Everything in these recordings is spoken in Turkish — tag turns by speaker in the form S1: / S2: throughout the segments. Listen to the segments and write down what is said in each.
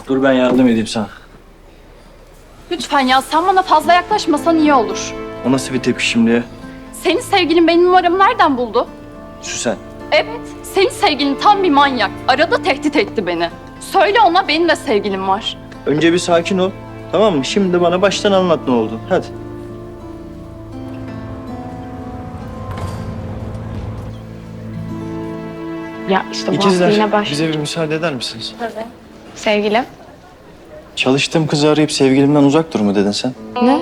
S1: Dur ben yardım edeyim sana.
S2: Lütfen ya, sen bana fazla yaklaşmasan iyi olur.
S1: O nasıl bir tepki şimdi ya?
S2: Senin sevgilin benim numaramı nereden buldu?
S1: Süsen.
S2: Evet, senin sevgilin tam bir manyak. Arada tehdit etti beni. Söyle ona, benim de sevgilim var.
S1: Önce bir sakin ol. Tamam mı? Şimdi bana baştan anlat ne oldu. Hadi.
S3: Ya işte bu hafta
S1: İkizler
S3: yine baş...
S1: bize bir müsaade eder misiniz?
S3: Sevgilim.
S1: Çalıştığım kızı arayıp sevgilimden uzak dur mu dedin sen?
S3: Ne?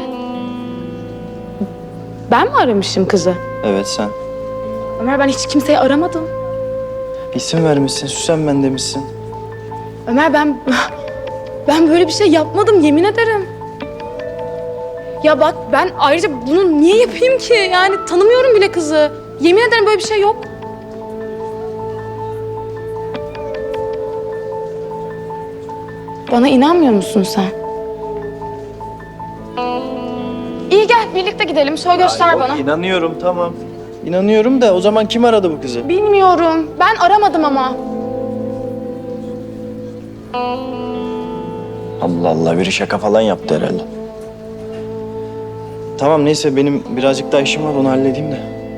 S3: Ben mi aramışım kızı?
S1: Evet sen.
S3: Ömer, ben hiç kimseyi aramadım.
S1: İsim vermişsin, Süsen ben demişsin.
S3: Ömer, ben böyle bir şey yapmadım, yemin ederim. Ya bak, ben ayrıca bunu niye yapayım ki? Yani tanımıyorum bile kızı. Yemin ederim böyle bir şey yok. Bana inanmıyor musun sen? İyi, gel birlikte gidelim. Şöyle göster bana.
S1: İnanıyorum tamam. İnanıyorum da o zaman kim aradı bu kızı?
S3: Bilmiyorum. Ben aramadım ama.
S1: Allah Allah biri şaka falan yaptı herhalde. Tamam neyse benim birazcık daha işim var onu halledeyim de.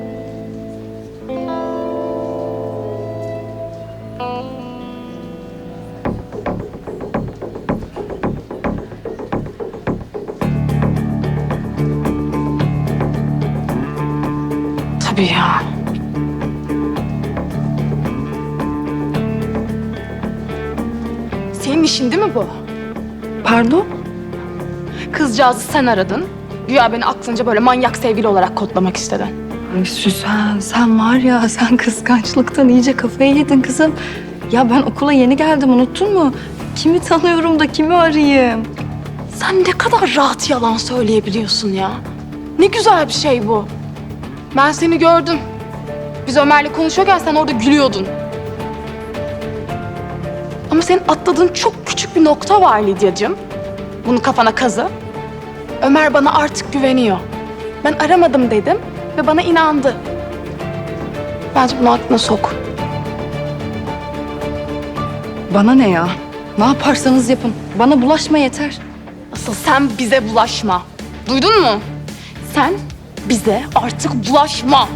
S3: Tabii ya. Senin işin değil mi bu?
S2: Pardon?
S3: Kızcağızı sen aradın. Güya beni aklınca böyle manyak sevgili olarak kodlamak istedin.
S2: Ay Süsen, sen var ya, sen kıskançlıktan iyice kafayı yedin kızım. Ya ben okula yeni geldim, unuttun mu? Kimi tanıyorum da kimi arayayım?
S3: Sen ne kadar rahat yalan söyleyebiliyorsun ya. Ne güzel bir şey bu. Ben seni gördüm. Biz Ömer'le konuşurken sen orada gülüyordun. Ama senin atladığın çok küçük bir nokta var Lidyacığım. Bunu kafana kazı. Ömer bana artık güveniyor. Ben aramadım dedim ve bana inandı. Bence bunu aklına sok.
S2: Bana ne ya? Ne yaparsanız yapın. Bana bulaşma yeter.
S3: Asıl sen bize bulaşma. Duydun mu? Sen bize artık bulaşma.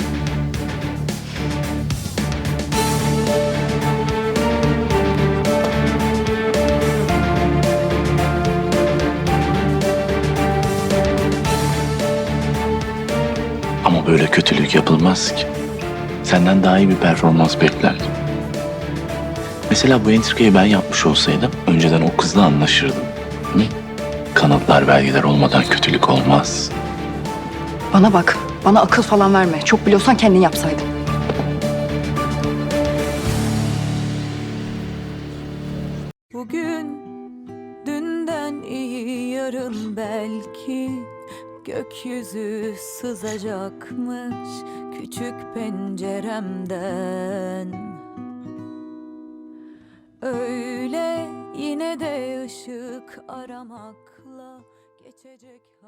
S4: Ama böyle kötülük yapılmaz ki. Senden daha iyi bir performans beklerdim. Mesela bu entrikayı ben yapmış olsaydım önceden o kızla anlaşırdım. Hı? Kanıtlar, belgeler olmadan kötülük olmaz.
S2: Bana bak, bana akıl falan verme. Çok biliyorsan kendin yapsaydın.
S5: Bugün dünden iyi, yarın belki gökyüzü sızacakmış küçük penceremden. Öyle yine de ışık aramakla geçecek.